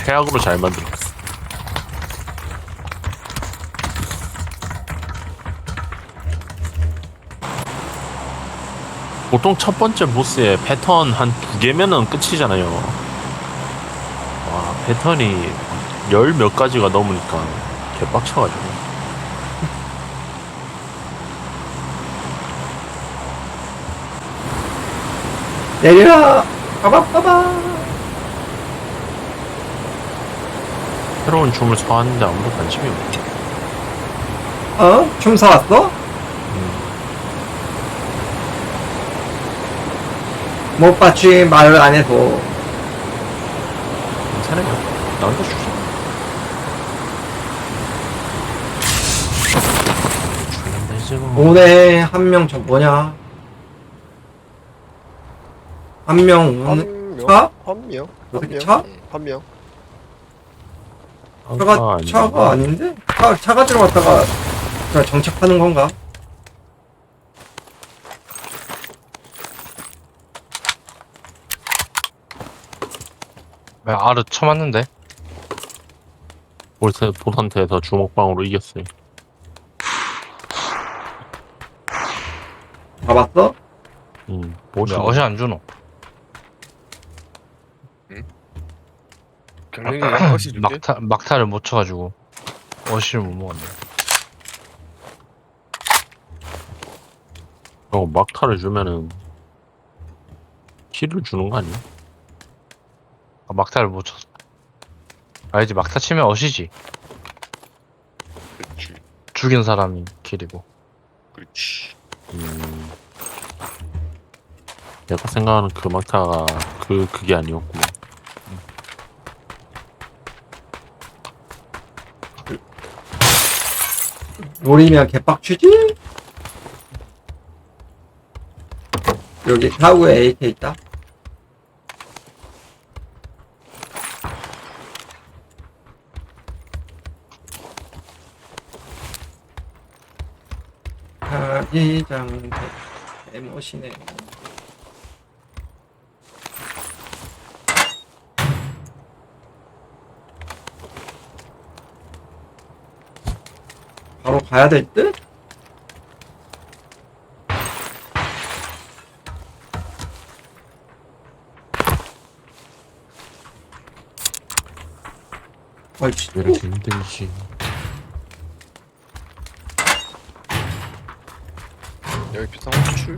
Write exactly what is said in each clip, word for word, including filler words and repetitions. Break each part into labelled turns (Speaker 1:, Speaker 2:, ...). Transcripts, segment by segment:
Speaker 1: 최악으로 잘 만들었어. 보통 첫 번째 보스의 패턴 한 두 개면은 끝이잖아요. 와, 패턴이 열 몇 가지가 넘으니까 개빡쳐가지고.
Speaker 2: 내려! 빠바빠바!
Speaker 1: 새로운 춤을 사왔는데 아무도 관심이 없네.
Speaker 2: 어? 춤 사왔어? 못 봤지, 말을 안 해서.
Speaker 1: 괜찮아요. 나한테 주자. 주면 되지 뭐.
Speaker 2: 오네, 한 명 저 뭐냐? 한 명 오는,
Speaker 3: 한 명?
Speaker 2: 차?
Speaker 3: 한 명?
Speaker 2: 어떻게
Speaker 3: 한
Speaker 2: 차?
Speaker 3: 명? 응, 한 명?
Speaker 2: 차가,
Speaker 1: 아까
Speaker 2: 차가 아닌데? 차, 차가 들어갔다가 그냥 정착하는 건가?
Speaker 4: 왜 아르 쳐맞는데?
Speaker 1: 볼세 보산테에서 주먹방으로 이겼어요.
Speaker 2: 봐봤어?
Speaker 1: 음,
Speaker 4: 왜
Speaker 1: 뭐지?
Speaker 4: 어시 안 주노?
Speaker 3: 경력이 어시 줄게?
Speaker 4: 막타, 막타를 못 쳐가지고 어시를 못 먹었네.
Speaker 1: 어, 막타를 주면은 킬을 주는 거 아니야?
Speaker 4: 아, 막타를 못 쳤어. 알지? 막타 치면 어시지.
Speaker 3: 그렇지,
Speaker 4: 죽인 사람이 킬이고.
Speaker 3: 그렇지.
Speaker 1: 음, 내가 생각하는 그 막타가 그 그게 아니었구만.
Speaker 2: 노리면 개빡치지? 여기 사구에 에이케이 있다. 자기장 개멋이네. 바로 가야 될 듯? 아이씨,
Speaker 1: 왜 이렇게 힘들지?
Speaker 3: 여기 비싼 호출?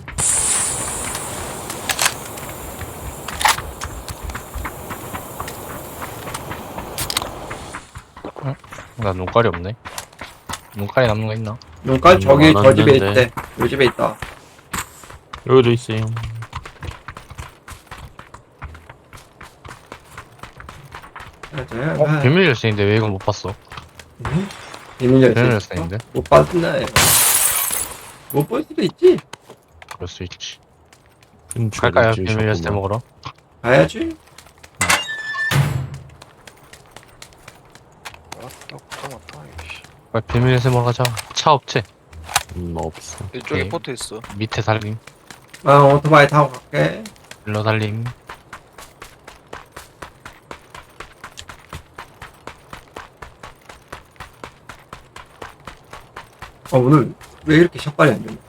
Speaker 4: 나 눈깔이 없네. 눈깔이 남는 거 있나?
Speaker 2: 눈깔 저기
Speaker 1: 안
Speaker 2: 저 집에
Speaker 1: 왔는데.
Speaker 2: 있대. 요 집에 있다.
Speaker 1: 여기도 있어요.
Speaker 4: 어? 비밀 열쇠인데 왜 이걸 못 봤어?
Speaker 2: 응? 비밀 열쇠
Speaker 4: 비밀
Speaker 2: 있어?
Speaker 4: 열쇠인데?
Speaker 2: 못 봤나 이거. 못 볼 수도 있지.
Speaker 4: 그럴 수 있지.
Speaker 1: 큰
Speaker 4: 갈까요?
Speaker 1: 죄를
Speaker 4: 비밀 열쇠
Speaker 1: 지으셨구만.
Speaker 4: 먹으러?
Speaker 2: 가야지.
Speaker 3: 왔다, 왔다, 왔다. 이씨.
Speaker 4: 빨리 비밀 열쇠 먹으러 가자. 차 없지?
Speaker 1: 음, 없어.
Speaker 3: 이쪽에
Speaker 4: 오케이.
Speaker 3: 포트 있어.
Speaker 4: 밑에 달림.
Speaker 2: 아 오토바이 타고 갈게.
Speaker 4: 일로 달림.
Speaker 2: 어 오늘 왜 이렇게 샷발이 안 되냐?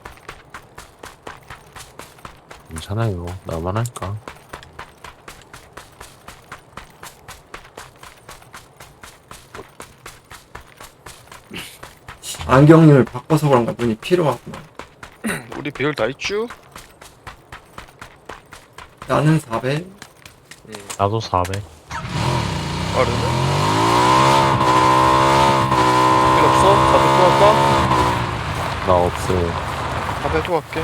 Speaker 1: 괜찮아요. 나만 할까?
Speaker 2: 안경을 바꿔서 그런가 눈이 필요하구나.
Speaker 3: 우리 배열 다 있쥬?
Speaker 2: 나는 사백.
Speaker 3: 응.
Speaker 4: 나도 사백.
Speaker 3: 빠르네? 필요 없어? 사배 또 할까?
Speaker 1: 나 없어요.
Speaker 3: 사배 또 할게.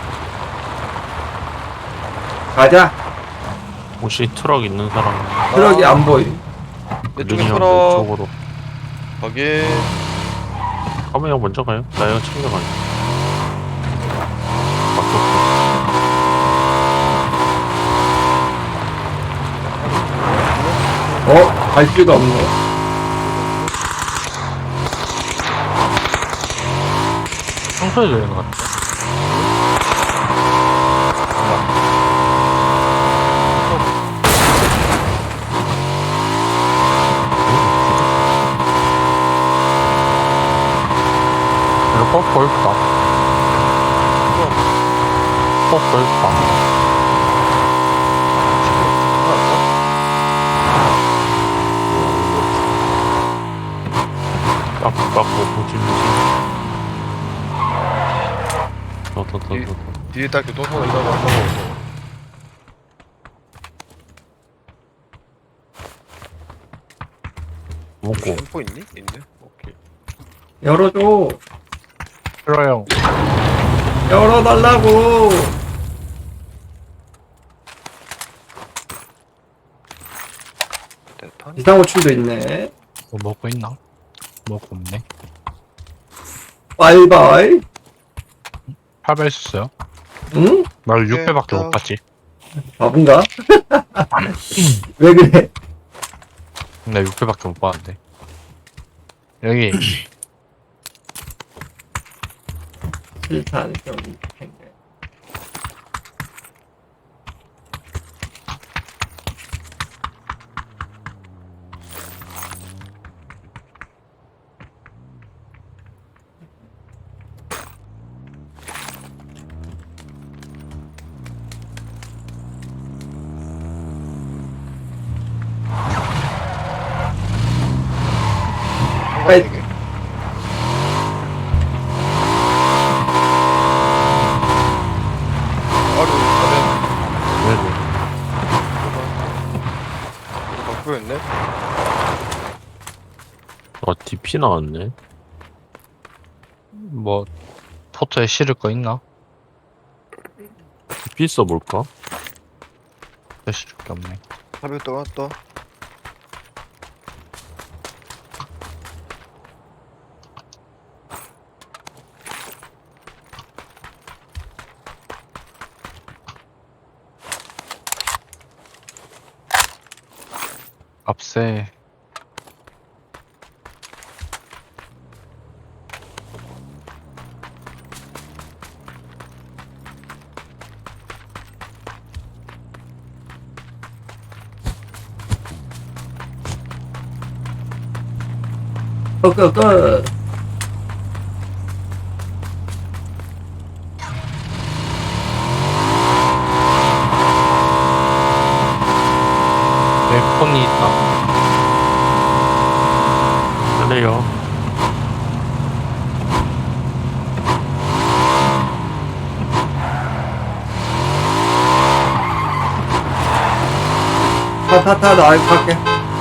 Speaker 2: 가자.
Speaker 1: 혹시 트럭 있는 사람
Speaker 2: 트럭이 안 보이.
Speaker 3: 내 쪽에
Speaker 1: 느리면
Speaker 3: 트럭.
Speaker 1: 쪽으로
Speaker 3: 가게.
Speaker 1: 가면 형 먼저 가요. 나 이거 챙겨가요.
Speaker 2: 어? 갈 수가 없네.
Speaker 4: 청소해 줘야 되는 것 같아.
Speaker 1: 벌까? 어, 벌까? 깎고 깎고 무지 무지. 더더더더.
Speaker 3: 뒤에 딱 교통사고 있다고 한다고.
Speaker 1: 먹고.
Speaker 3: 템포 있니? 있네. 오케이.
Speaker 2: 열어줘.
Speaker 4: 싫어요.
Speaker 2: 열어달라고.
Speaker 3: 대탄?
Speaker 2: 비상호출도 있네.
Speaker 4: 뭐 먹고 있나? 먹고 없네.
Speaker 2: 바이바이.
Speaker 4: 팔 배 있었어요?
Speaker 2: 응?
Speaker 4: 나 육 배밖에
Speaker 3: 어.
Speaker 4: 못 봤지.
Speaker 2: 바본가? 왜 그래?
Speaker 4: 나 육 배밖에 못 봤는데. 여기
Speaker 2: 실탄 좀 생겨.
Speaker 3: 뭐야 이게? 아루 가면
Speaker 1: 왜고?
Speaker 3: 바꾸였네?
Speaker 1: 아, 디피 나왔네.
Speaker 4: 뭐 포토에 실을 거 있나?
Speaker 1: 디피 써볼까?
Speaker 4: 포토에 실을 게 없네.
Speaker 3: 사별 또 왔다.
Speaker 4: 앞세
Speaker 2: 끝끝끝.
Speaker 4: 내 폰이 있다.
Speaker 1: 그래요.
Speaker 2: 타타타 나 알고 갈게.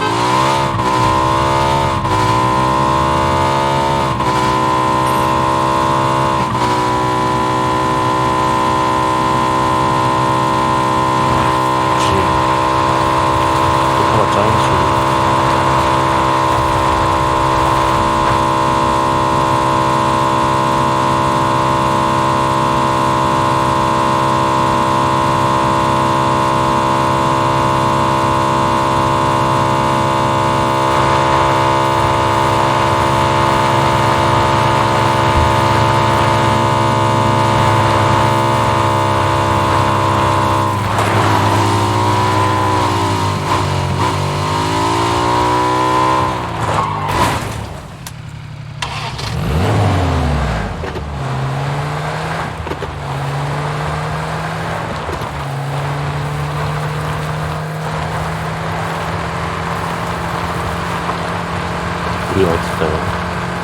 Speaker 1: 그치. 똑바로 짜인지. 우리 어딨어요?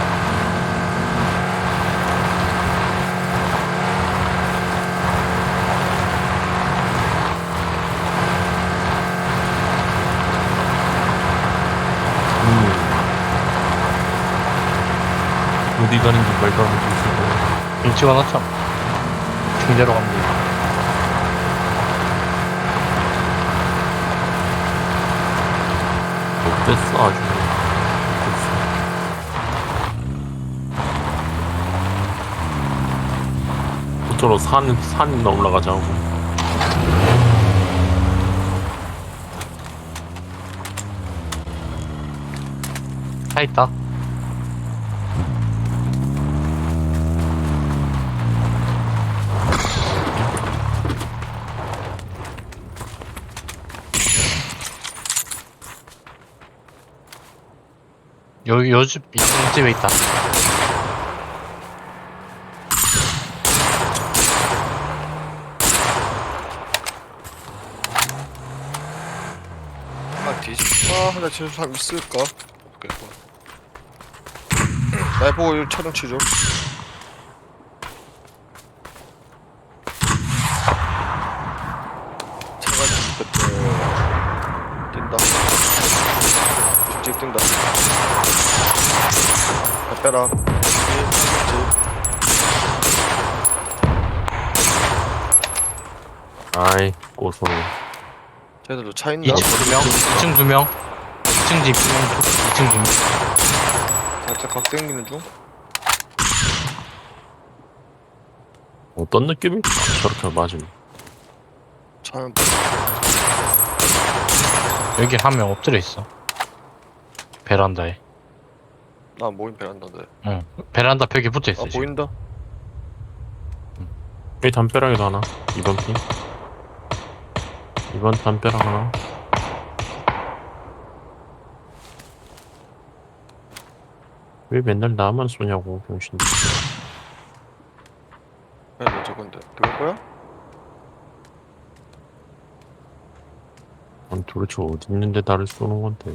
Speaker 1: 음. 어디 가는지 말도 안 해주시고.
Speaker 4: 일 찍어놨죠? 중대로 가면 돼.
Speaker 1: 못됐어, 아주. 못됐어. 저로 산, 산이나 올라가자고.
Speaker 4: 차 있다. 여기 요집 이 집에 있다.
Speaker 3: 뒤집어 하나 치는 사람 있을까? 없겠고. 날 보고 이 촬영 치죠. 차가 뒤집혔대. 뛴다. 직접 뛴다. 야, 빼라. 뒤에
Speaker 1: 아이 고소.
Speaker 3: 쟤들도 차 있나?
Speaker 4: 이 층 두 명, 이 층 두 명, 이 층 집 두 명, 이 층 두 명.
Speaker 3: 살짝 각 땡기는 중?
Speaker 1: 어떤 느낌일까? 저렇게 맞으면.
Speaker 3: 차는
Speaker 4: 여기 한 명 엎드려 있어. 베란다에.
Speaker 3: 나 모임 베란다인데.
Speaker 4: 응. 베란다 벽에 붙어 있어.
Speaker 3: 아 보인다?
Speaker 1: 이 담벼락에도 하나. 이번 핀. 이번 담벼락 하나. 왜 맨날 나만 쏘냐고 병신.
Speaker 3: 야, 저건데. 그럴 거야?
Speaker 1: 아니 도대체 어디 있는데 나를 쏘는 건데.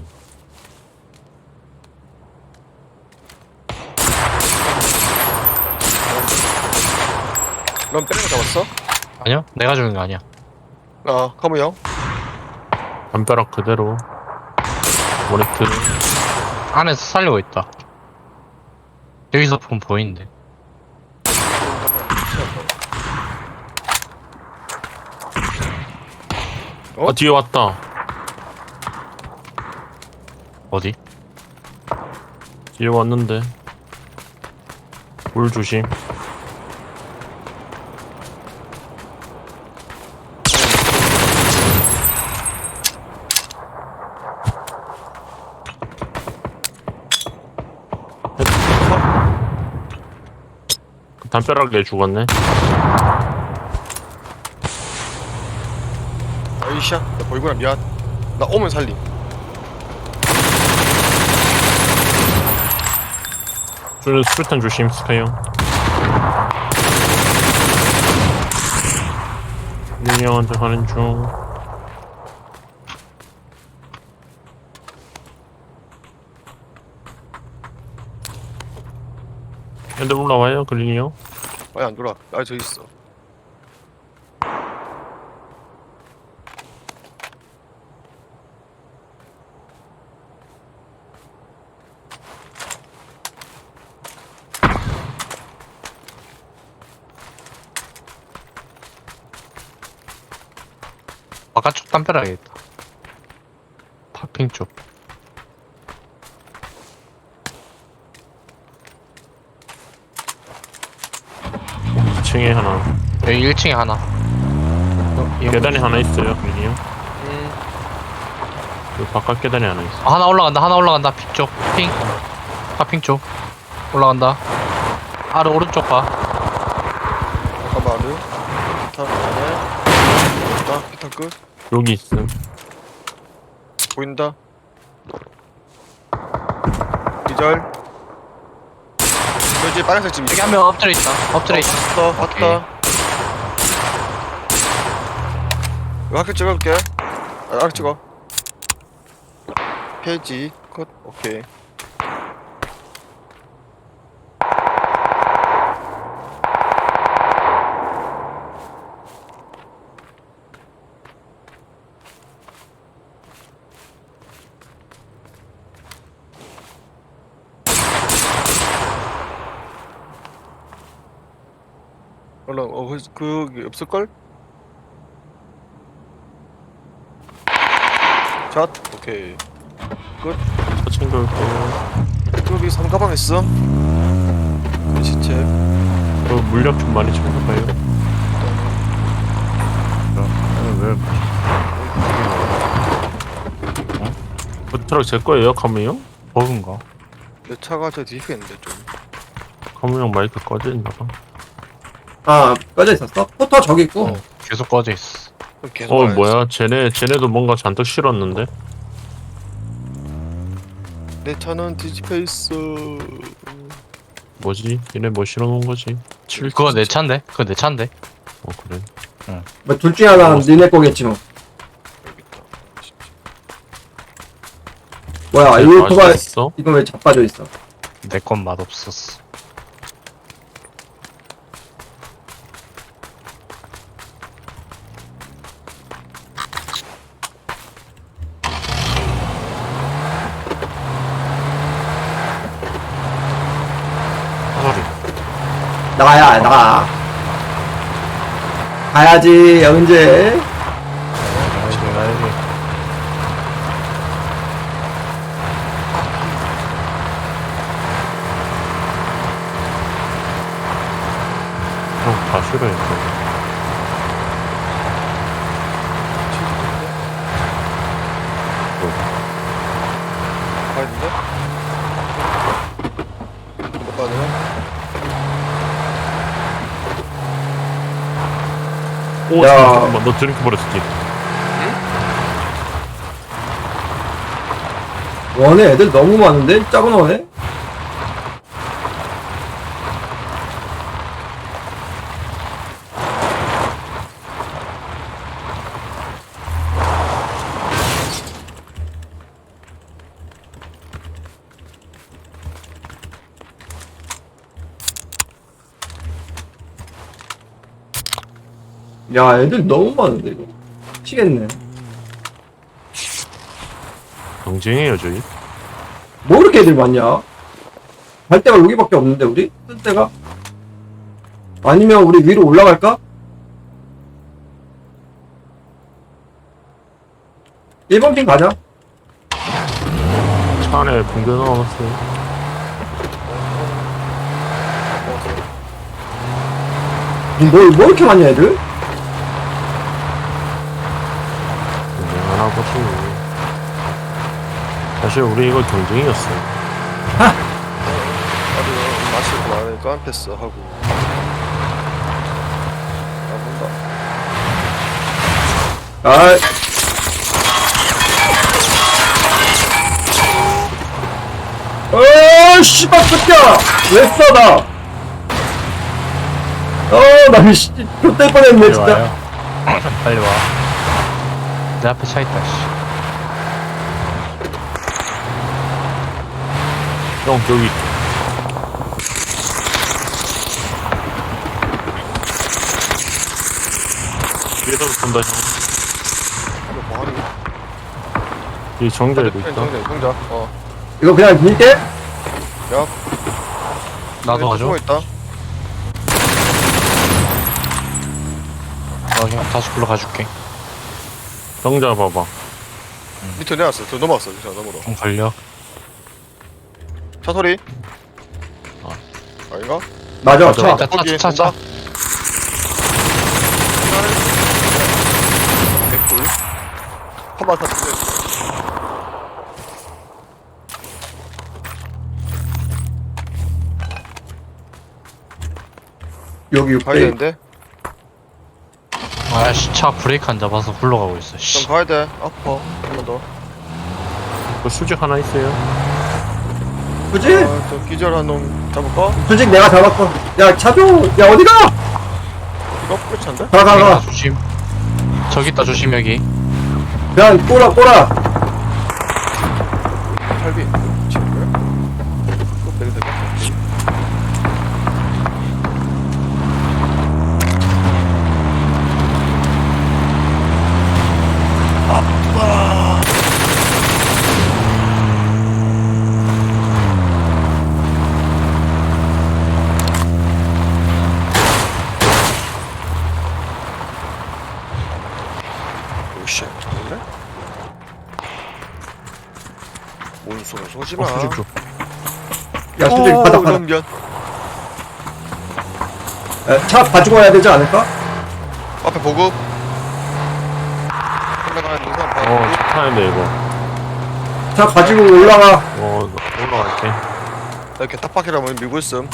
Speaker 3: 넌 빼는 거 잡았어?
Speaker 4: 아니야? 내가 죽인 거 아니야.
Speaker 3: 아, 카무 형.
Speaker 1: 담벼락 그대로. 모네트.
Speaker 4: 안에서 살리고 있다. 여기서 보면 보이는데.
Speaker 3: 어?
Speaker 1: 아 뒤에 왔다.
Speaker 4: 어디?
Speaker 1: 뒤에 왔는데. 물 조심. 담벼락에 죽었네.
Speaker 3: 아이씨야, 나 보이구나. 미안. 나 오면 살림.
Speaker 1: 줄 수류탄 조심 스카이 형. 민이 형한테 가는 중. 애들 올라와요 그린이 형.
Speaker 3: 빨리 안 돌아. 아, 저기 있어.
Speaker 4: 바깥쪽 담벼락에 있다. 파핑 쪽.
Speaker 1: 이 층에 하나.
Speaker 4: 여기 일 층에 하나. 어, 이 형-
Speaker 1: 계단에 하나 있어요 그린이 형.
Speaker 3: 음,
Speaker 1: 그 바깥 계단에 하나 있어.
Speaker 4: 아, 하나 올라간다. 하나 올라간다. 핑 쪽. 핑. 파핑 쪽. 올라간다. 아래 오른쪽 봐.
Speaker 3: 잠깐만. 피탄 안에. 보인다. 피탄 끝.
Speaker 1: 여기 있음.
Speaker 3: 보인다. 기절. 저기 빨간색 집
Speaker 4: 여기
Speaker 3: 있어.
Speaker 4: 한 명 엎드려 있다. 엎드려 있다.
Speaker 3: 왔다, 왔다. 이거 학교 찍어볼게. 아, 학교 찍어. 페이지 컷. 오케이. 얼른 어 그, 그 없을걸? 샷 오케이.
Speaker 1: 저 챙겨올게요.
Speaker 3: 여기 삼가방 있어. 내 시체.
Speaker 1: 그 물약 좀 많이 챙겨가요. 왜? 그 트럭 제 거예요 카무 형?
Speaker 4: 버그인가?
Speaker 3: 내 차가 저 뒤에 있는데 좀.
Speaker 1: 카무 형 마이크 꺼져 있나봐.
Speaker 2: 아, 꺼져 있었어? 포터 저기 있고.
Speaker 4: 어, 계속 꺼져 있어.
Speaker 3: 계속
Speaker 1: 어
Speaker 3: 와야지.
Speaker 1: 뭐야? 쟤네 쟤네도 뭔가 잔뜩 실었는데.
Speaker 3: 내 차는 뒤집혀 있어.
Speaker 1: 뭐지? 얘네 뭐 실어놓은 거지? 칠.
Speaker 4: 그거 내 차인데? 그거 내 차인데?
Speaker 1: 어 그래.
Speaker 2: 뭐 둘 중에 하나는 니네 거겠지 뭐.
Speaker 3: 여기 있다. 진짜.
Speaker 2: 뭐야 이 오토바이
Speaker 1: 맛있어?
Speaker 2: 이거 왜 자빠져 있어?
Speaker 4: 내 건 맛없었어.
Speaker 1: 사소리.
Speaker 2: 나가야 나가. 가야지 언제?
Speaker 4: 가야지, 가야지.
Speaker 1: 형, 다 싫어해. 또.
Speaker 3: 가야 된대? 못 가야 되나?
Speaker 1: 오,
Speaker 2: 야.
Speaker 1: 잠깐만. 너 드링크 버렸지?
Speaker 2: 원에 애들 너무 많은데? 작은 원에? 야 애들 너무 많은데 이거 미치겠네.
Speaker 1: 경쟁해요, 저희.
Speaker 2: 뭐 이렇게 애들 많냐? 갈 데가 여기밖에 없는데 우리? 쓸 데가? 아니면 우리 위로 올라갈까? 일 번 핑 가자.
Speaker 1: 차 안에 붕대 넣어놨어요.
Speaker 2: 뭐, 뭐 이렇게 많냐 애들?
Speaker 1: 경쟁하나 보지. 사실 우리 이거 경쟁이었어.
Speaker 3: 나도 마시고 나니까 패스 하고. 아, 뭔가.
Speaker 2: 아, 어, 씨발, 새끼야! 왜 써, 나? 어, 나, 씨, 좆될 뻔했네,
Speaker 4: 빨리
Speaker 2: 진짜.
Speaker 4: 와요. 빨리 와. 내 앞에 차 있다, 씨.
Speaker 1: 형, 여기. 뒤에서 본다, 형.
Speaker 3: 이거 뭐 하니?
Speaker 1: 뒤에 정자에도 있다.
Speaker 3: 정자, 정자. 어.
Speaker 2: 이거 그냥 밀게?
Speaker 3: 야,
Speaker 4: 나도 가져.
Speaker 3: 숨어 있다.
Speaker 4: 어, 형 다시 불러가줄게.
Speaker 1: 정자 봐봐.
Speaker 3: 밑에 내놨어. 저 넘어왔어. 저 넘어로.
Speaker 4: 좀 걸려.
Speaker 3: 차 소리.
Speaker 1: 아.
Speaker 3: 아닌가?
Speaker 2: 맞아,
Speaker 1: 맞아.
Speaker 2: 차.
Speaker 4: 차, 차,
Speaker 3: 거기
Speaker 4: 차, 차.
Speaker 3: 온다. 개꿀. 한번 더.
Speaker 2: 여기
Speaker 3: 가야
Speaker 2: 육대.
Speaker 3: 되는데?
Speaker 4: 아씨, 차 브레이크 안 잡아서 굴러가고 있어, 씨.
Speaker 3: 좀 가야 돼. 아파. 한 번 더.
Speaker 1: 그 수직 하나 있어요.
Speaker 2: 그지?
Speaker 3: 아, 저 기절한 놈 잡을까?
Speaker 2: 솔직히 내가 잡았어. 야, 차줘! 야, 어디가?
Speaker 3: 이거 끝인데?
Speaker 2: 가, 가,
Speaker 4: 저기 있다,
Speaker 2: 가.
Speaker 4: 조심. 저기 있다, 조심, 여기.
Speaker 2: 그냥 꼬라, 꼬라.
Speaker 3: 탈비. 지금 거야? 이거 빼도 될것 같아. 오씨, 그래? 온수가 쏘지마.
Speaker 1: 어, 수직 줘.
Speaker 2: 야, 솔직히 바닥, 바닥.
Speaker 3: 연변.
Speaker 2: 야, 차 가지고 와야 되지 않을까?
Speaker 3: 앞에 보급. 올라가야 되는 사람 봐.
Speaker 1: 어, 타는데 이거.
Speaker 2: 차 가지고 올라가.
Speaker 1: 어, 올라갈게.
Speaker 3: 이렇게 탑박이라면 밀고 있음.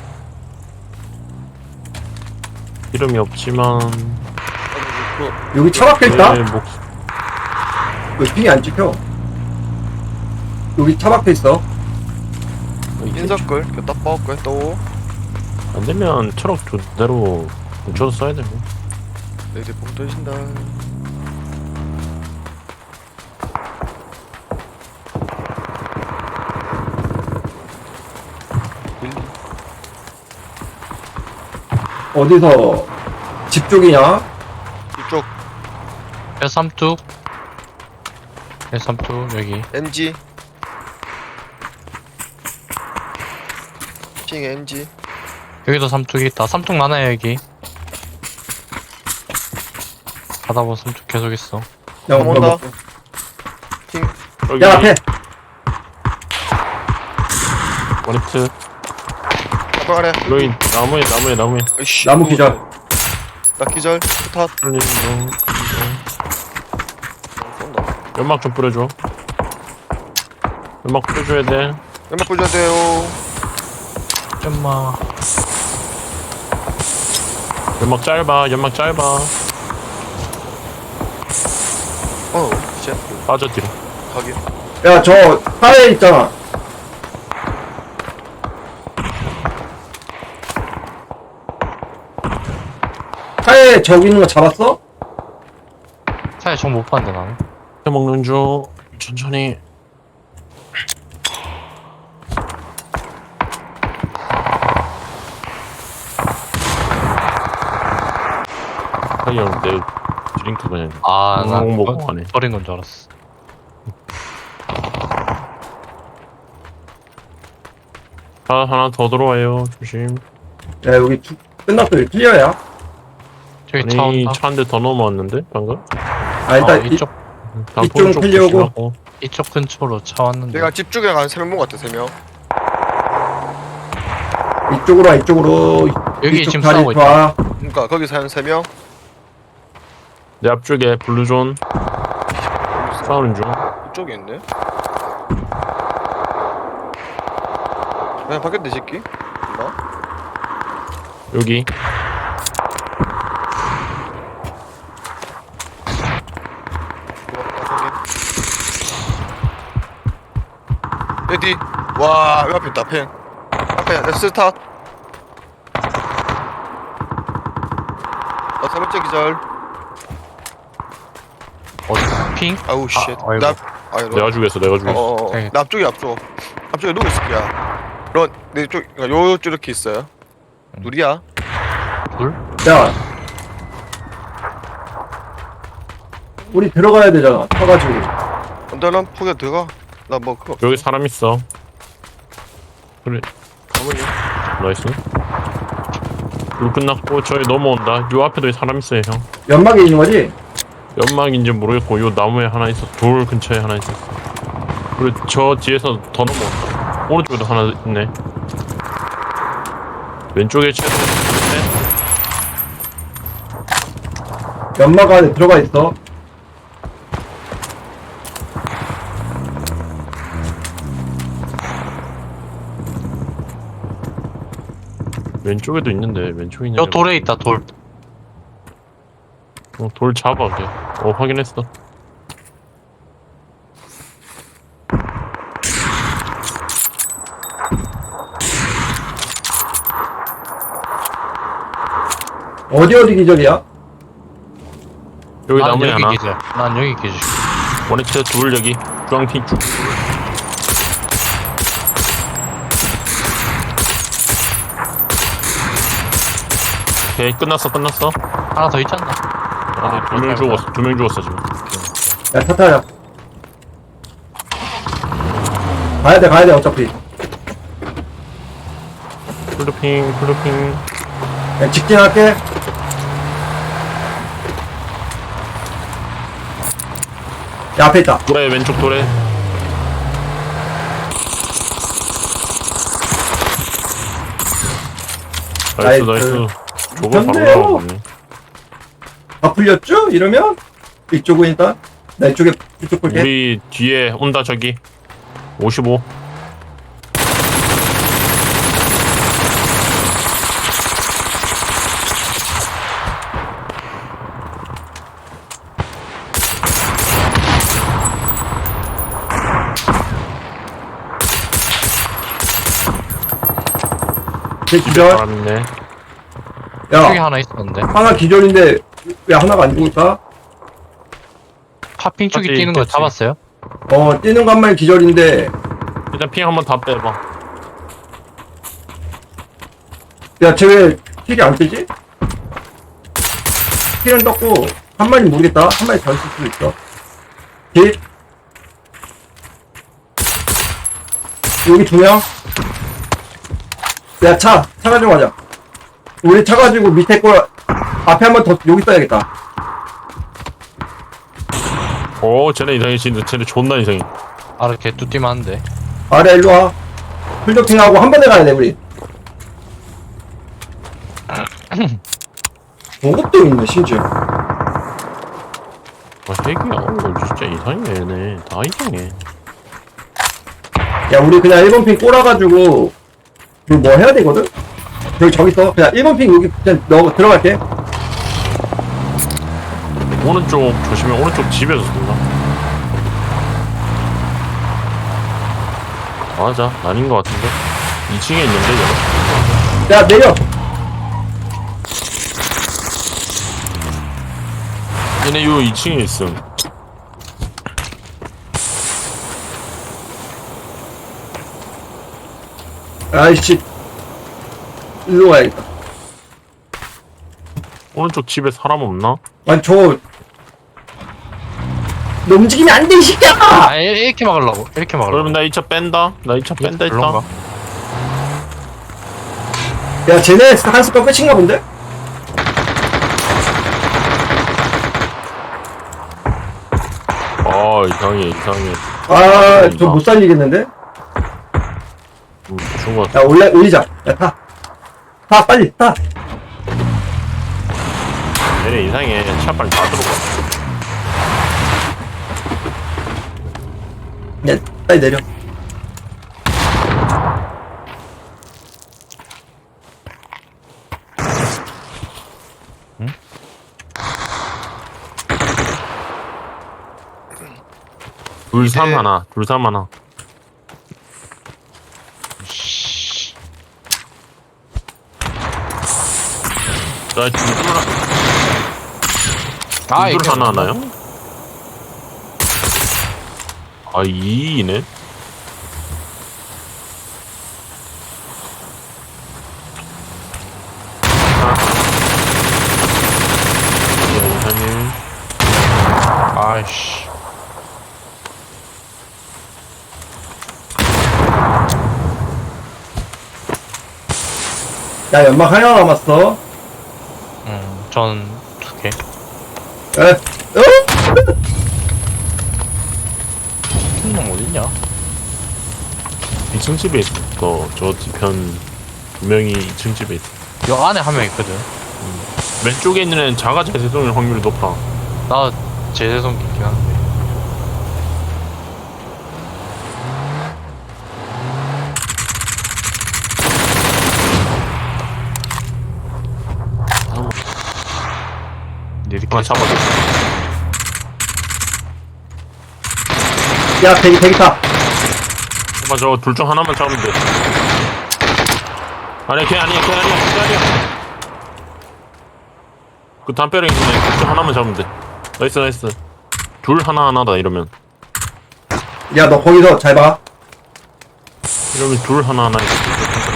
Speaker 1: 이름이 없지만.
Speaker 3: 그
Speaker 2: 여기 차 박혀 있다?
Speaker 1: 내 목,
Speaker 2: 왜 핑이 안 찍혀? 여기 차 박혀 있어.
Speaker 3: 인석글 그 탑박을 또
Speaker 1: 안 되면 트럭 그대로 뭉쳐서 써야 되고.
Speaker 3: 레이디 뽕 떠신다.
Speaker 2: 어디서 집 쪽이냐?
Speaker 3: 이쪽
Speaker 4: 배 삼뚝. 배 삼뚝, 여기.
Speaker 3: 엠지 핑 엠지
Speaker 4: 여기도 삼뚝이 있다. 삼뚝 많아요, 여기. 가다 보면 삼뚝 계속 있어.
Speaker 2: 야,
Speaker 3: 한 번 더.
Speaker 2: 뭐,
Speaker 3: 핑
Speaker 1: 여기
Speaker 2: 야 앞에
Speaker 1: 원히트
Speaker 3: 아빠 아래
Speaker 1: 로인 나무에 나무에 나무에
Speaker 3: 으이씨
Speaker 2: 나무 기절.
Speaker 3: 나 기절 스탑
Speaker 1: 털린 중
Speaker 3: 쏜다
Speaker 1: 연막 좀 뿌려줘. 연막 뿌려줘야 돼.
Speaker 3: 연막 뿌려야 돼요
Speaker 4: 좀마.
Speaker 1: 연막 짧아. 연막 짧아.
Speaker 3: 어 쉣
Speaker 1: 빠져 뒤로.
Speaker 3: 가게
Speaker 2: 야저 하에 있잖아. 하에 저기 있는 거 잡았어?
Speaker 4: 차에 정못 봤는데, 나는.
Speaker 1: 먹는 중 천천히. 하이형 내 드링크 그냥
Speaker 4: 아, 나
Speaker 1: 엉엉
Speaker 4: 버-
Speaker 1: 먹고 가네.
Speaker 4: 버린 건 줄 알았어.
Speaker 1: 차 하나 더 들어와요. 조심.
Speaker 2: 야 여기 주, 끝났어. 여기 클리어야.
Speaker 4: 저기 차
Speaker 1: 아니
Speaker 4: 온다.
Speaker 1: 차 한 대 더 넘어왔는데 방금?
Speaker 2: 아 일단
Speaker 4: 어,
Speaker 2: 이,
Speaker 4: 이쪽,
Speaker 1: 단풍
Speaker 2: 이쪽은
Speaker 1: 쪽
Speaker 2: 클리어고.
Speaker 1: 조심하고.
Speaker 4: 이쪽 근처로 차 왔는데.
Speaker 3: 내가 집 쪽에 한 세 명 먹었다 세명
Speaker 2: 이쪽으로 와 이쪽으로.
Speaker 4: 여기
Speaker 2: 이쪽
Speaker 4: 지금
Speaker 2: 다리
Speaker 4: 싸우고 있다.
Speaker 2: 봐.
Speaker 3: 그니까 거기서 한 세 명
Speaker 1: 내 앞쪽에 블루존 싸우는 중.
Speaker 3: 이쪽에 있네 그냥 바뀌었네 이 새끼 나
Speaker 1: 여기
Speaker 3: 레디 와 여기 앞에 있다 펜 앞에 내 스탑 나세 번째 기절
Speaker 4: 어디? 핑?
Speaker 3: 아우 쉣
Speaker 4: 아이고.
Speaker 3: 나 아유
Speaker 1: 내가 죽였어. 내가 죽였어.
Speaker 3: 어어어
Speaker 4: 네.
Speaker 3: 나 앞쪽에 앞쪽 앞쪽에 누구 있을게야 런 내쪽 요쪽 이렇게 있어요 둘이야
Speaker 4: 둘?
Speaker 2: 야. 우리 들어가야 되잖아. 타가지고.
Speaker 3: 언더런 포개 들어가 나 뭐 그거
Speaker 1: 여기 사람 있어. 그래.
Speaker 3: 가만히
Speaker 1: 나이스. 불 끝났고 저기 넘어온다. 요 앞에도 사람 있어요 형.
Speaker 2: 연막에 있는 거지?
Speaker 1: 연막인지 모르겠고 요 나무에 하나 있어. 돌 근처에 하나 있었어. 그리고 저 뒤에서 더 넘어온다. 오른쪽에도 하나 있네. 왼쪽에 채도 있네.
Speaker 2: 연막 안에 들어가 있어.
Speaker 1: 왼쪽에도 있는데 왼쪽에 있냐?
Speaker 4: 저 돌에 있다, 돌.
Speaker 1: 어, 돌 잡아 걔. 어 확인했어.
Speaker 2: 어디 어디 기절이야?
Speaker 1: 여기
Speaker 4: 난
Speaker 1: 나무에
Speaker 4: 여기
Speaker 1: 하나.
Speaker 4: 기절. 난 여기 기절.
Speaker 1: 원히트 둘 여기. 주황핑 쭉. 오케이 끝났어 끝났어.
Speaker 4: 하나 더 있잖아.
Speaker 1: 아, 두 명 죽었어. 두 명 죽었어 지금.
Speaker 2: 야 타타야. 가야 돼 가야 돼 어차피.
Speaker 1: 블루핑 블루핑.
Speaker 2: 야 직진할게. 야 앞에 있다.
Speaker 1: 돌에 왼쪽 돌에. 나이스
Speaker 2: 나이스.
Speaker 1: 나이스. 저걸 바로
Speaker 2: 좋네요.
Speaker 1: 나오네.
Speaker 2: 다 풀렸죠? 이러면 이쪽은 일단 나 이쪽에 이쪽 볼게.
Speaker 1: 우리 뒤에 온다 저기. 오십오.
Speaker 2: 제 기절.
Speaker 1: 사람 있네.
Speaker 4: 저기
Speaker 2: 야
Speaker 4: 하나 있었는데.
Speaker 2: 하나 기절인데 왜 하나가 안 죽을까?
Speaker 4: 파핑 쪽이
Speaker 1: 맞지,
Speaker 4: 뛰는 거
Speaker 1: 있겠지.
Speaker 4: 잡았어요?
Speaker 2: 어 뛰는 것만 기절인데
Speaker 1: 일단 핑 한번 다 빼봐.
Speaker 2: 야 쟤 왜 킬이 안 뜨지? 피는 떴고 한 마리 모르겠다. 한 마리 더 있을 수도 있어. 길 여기 두 명. 야, 차, 차 가지고 가자. 우리 차 가지고 밑에 거 앞에 한 번 더 여기 떠야겠다.
Speaker 1: 오 쟤네 이상해 진짜 쟤네 존나 이상해.
Speaker 4: 아래 개뚜띠만 한데.
Speaker 2: 아래 일로 와. 풀도킹하고 한 번에 가야 돼 우리. 보급도 있네 심지어.
Speaker 1: 아 핵이야. 어, 진짜 이상해 얘네. 다 이상해.
Speaker 2: 야, 우리 그냥 일 번 핑 꼬라가지고 그 뭐 해야 되거든? 여기 저기 있어. 그냥 일 번 핑 여기 그냥 넣어 들어갈게.
Speaker 1: 오른쪽 조심해. 오른쪽 집에서 쏜다. 맞아. 아닌 것 같은데. 이 층에 있는데 얘가.
Speaker 2: 야, 내려.
Speaker 1: 얘네 요 이 층에 있음.
Speaker 2: 아이씨. 일로 가야겠다.
Speaker 1: 오른쪽 집에 사람 없나?
Speaker 2: 아니 저. 너 움직이면 안 돼, 이 새끼야!
Speaker 4: 아 이- 이렇게 막으려고. 이렇게 막으려고.
Speaker 1: 그러면 나 이 차 뺀다. 나 이 차 뺀다 했다.
Speaker 4: 그런가?
Speaker 2: 야, 쟤네 한 습관 끝인가 본데?
Speaker 1: 아 이상해 이상해.
Speaker 2: 아, 저 못 살리겠는데?
Speaker 1: 음, 죽은 것 같아.
Speaker 2: 야, 올래, 올리자. 야, 타. 타, 빨리, 타.
Speaker 1: 얘네 이상해. 차 빨리 다 들어가.
Speaker 2: 야, 빨리 내려.
Speaker 1: 둘삼
Speaker 3: 네.
Speaker 1: 하나. 둘삼 하나.
Speaker 4: 씨.
Speaker 1: 나 둘둘 하나.
Speaker 4: 아
Speaker 1: 둘
Speaker 4: 이렇게
Speaker 1: 하나
Speaker 4: 막는다.
Speaker 1: 하나요? 아 이이네. 이상해.
Speaker 4: 아이씨.
Speaker 2: 야, 연막 하나 남았어.
Speaker 4: 음, 전 두 개.
Speaker 2: 에, 어?
Speaker 4: 킹놈 어딨냐?
Speaker 1: 이 층 집에 있어. 저 뒤편 두 명이 이 층 집에 있어.
Speaker 4: 요 안에 한 명 있거든.
Speaker 1: 왼쪽에 있는 애는 자가 재생성일 확률이 높아.
Speaker 4: 나 제세성기 있긴 한데. 이렇게
Speaker 1: 하나 잡아줘.
Speaker 2: 야, 대기, 대기 타.
Speaker 1: 오빠 저 둘 중 하나만 잡으면 돼. 아니 걔 아니야 걔 아니야 걔 아니야. 그 담벼락에 있는 둘중 하나만 잡으면 돼. 나이스 나이스. 둘 하나 하나다 이러면.
Speaker 2: 야, 너 거기서 잘 봐.
Speaker 1: 이러면 둘 하나 하나 있어.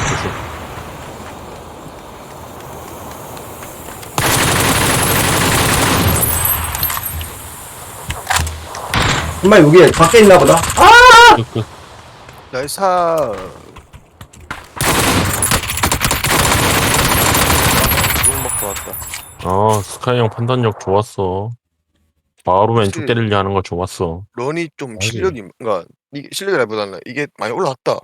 Speaker 2: 정말 여기 밖에 있나 보다. 아!
Speaker 1: 그, 그,
Speaker 3: 나이스. 욕 먹고 왔다.
Speaker 1: 아 스카이 형 판단력 좋았어. 바로 왼쪽
Speaker 3: 혹시-
Speaker 1: 때리려 하는 거 좋았어.
Speaker 3: 런이 좀
Speaker 4: 맞지.
Speaker 3: 실력이 뭔가 이게 실력이라기보다는 이게 많이 올라왔다.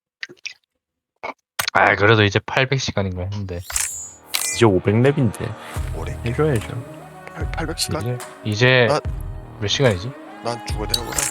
Speaker 4: 아 그래도 이제 팔백 시간인가 했는데
Speaker 1: 이제 오백 렙인데
Speaker 3: 오래.
Speaker 1: 해줘야죠.
Speaker 3: 팔백 시간?
Speaker 4: 이제 이제
Speaker 3: 나-
Speaker 4: 몇 시간이지?
Speaker 3: 난 죽어야 되는 거야.